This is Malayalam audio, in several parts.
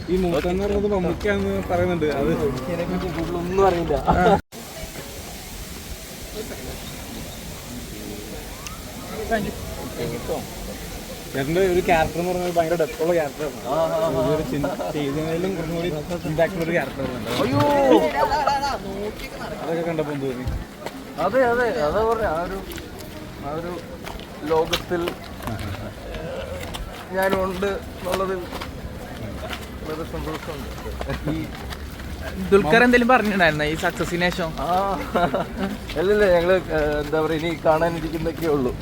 ഈ മൂത്തെന്ന് പറയുന്നത് മമ്മൂക്കാന്ന് പറയുന്നുണ്ട്. അത് എനിക്കതിനെപ്പറ്റി കൂടുതലൊന്നും അറിയില്ല. ചേട്ടൻ്റെ ഒരു ക്യാരക്ടർ എന്ന് പറഞ്ഞാൽ ഭയങ്കര ഡെപ്തുള്ള ക്യാരക്ടറാണ്. ചെയ്തതിലും കുറച്ചും കൂടി ഇമ്പാക്റ്റുള്ള ഒരു ക്യാരക്ടറാണ്. അതൊക്കെ കണ്ടപ്പോൾ തോന്നി. അതെ അതെ അതാ പറഞ്ഞ ആ ഒരു ലോകത്തിൽ ഞാനുണ്ട് എന്നുള്ളതിൽ വളരെ സന്തോഷമുണ്ട്. ഈ ദുൽഖർ എന്തെങ്കിലും പറഞ്ഞിട്ടുണ്ടായിരുന്നോ ഈ സക്സസിന് ശേഷം? അല്ലല്ല, ഞങ്ങള് എന്താ പറയാ ഇനി കാണാനിരിക്കുന്നൊക്കെ ഉള്ളൂ.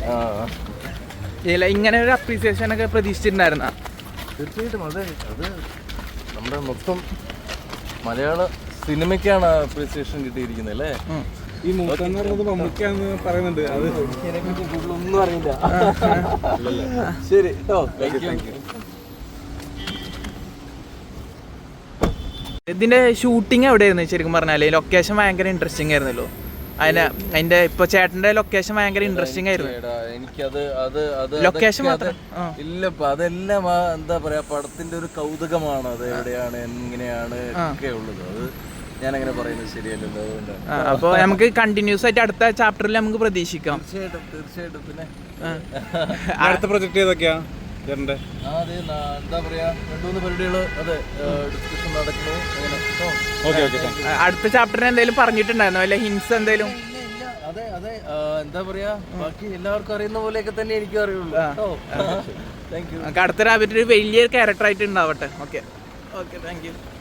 ഇല്ല, ഇങ്ങനെ ഒരു അപ്രീസിയേഷൻ ഒക്കെ പ്രതീക്ഷിച്ചിട്ടുണ്ടായിരുന്ന? തീർച്ചയായിട്ടും അത് നമ്മുടെ മൊത്തം മലയാള സിനിമയ്ക്കാണ് അപ്രീസിയേഷൻ കിട്ടിയിരിക്കുന്നത് അല്ലേ. ഈ മൂത്തെന്ന് പറയുന്നത് മമ്മൂക്കാന്ന് പറയുന്നുണ്ട്. അത് എനിക്കതിനെപ്പറ്റി കൂടുതലൊന്നും അറിയില്ല. ശരി, താങ്ക് യു. ഇതിന്റെ ഷൂട്ടിംഗ് എവിടെയായിരുന്നു ശരിക്കും പറഞ്ഞാല്? ലൊക്കേഷൻ ഭയങ്കര ഇൻട്രസ്റ്റിംഗ് ആയിരുന്നല്ലോ. അതിന്റെ ഇപ്പൊ ചേട്ടന്റെ ലൊക്കേഷൻ ഭയങ്കര ഇൻട്രസ്റ്റിംഗ് ആയിരുന്നു. ലൊക്കേഷൻ മാത്രം ഇല്ലപ്പ അതെല്ലാം എന്താ പറയാ പടത്തിന്റെ ഒരു കൗതുകമാണ്. അത് എവിടെയാണ് എങ്ങനെയാണ് ഒക്കെ ഉള്ളത്. അത് ഞാനങ്ങനെ പറയുന്നത് ശരിയല്ലല്ലോ. അതുകൊണ്ട് അപ്പൊ നമുക്ക് കണ്ടിന്യൂസ് ആയിട്ട് അടുത്ത ചാപ്റ്ററിൽ നമുക്ക് പ്രതീക്ഷിക്കാം. തീർച്ചയായിട്ടും. പിന്നെ അടുത്ത പ്രൊജക്ട് ഏതൊക്കെയാ ചേട്ടൻ്റെ? അതെ, എന്താ പറയാ 2-3 പരിപാടികള് അതെ ഡിസ്കഷൻ നടക്കുന്നു. അടുത്ത ചാപ്റ്ററിന് എന്തെങ്കിലും പറഞ്ഞിട്ടുണ്ടായിരുന്നോ? അല്ലെ ഹിൻസ് എന്തെങ്കിലും? അതെ എന്താ പറയാ ബാക്കി എല്ലാവർക്കും അറിയുന്ന പോലെയൊക്കെ തന്നെ എനിക്കും അറിയുള്ളൂ. Thank you. അടുത്ത റാബിറ്റ് ഒരു വലിയ ക്യാരക്ടർ ആയിട്ട് ഉണ്ടാവട്ടെ. Okay thank U.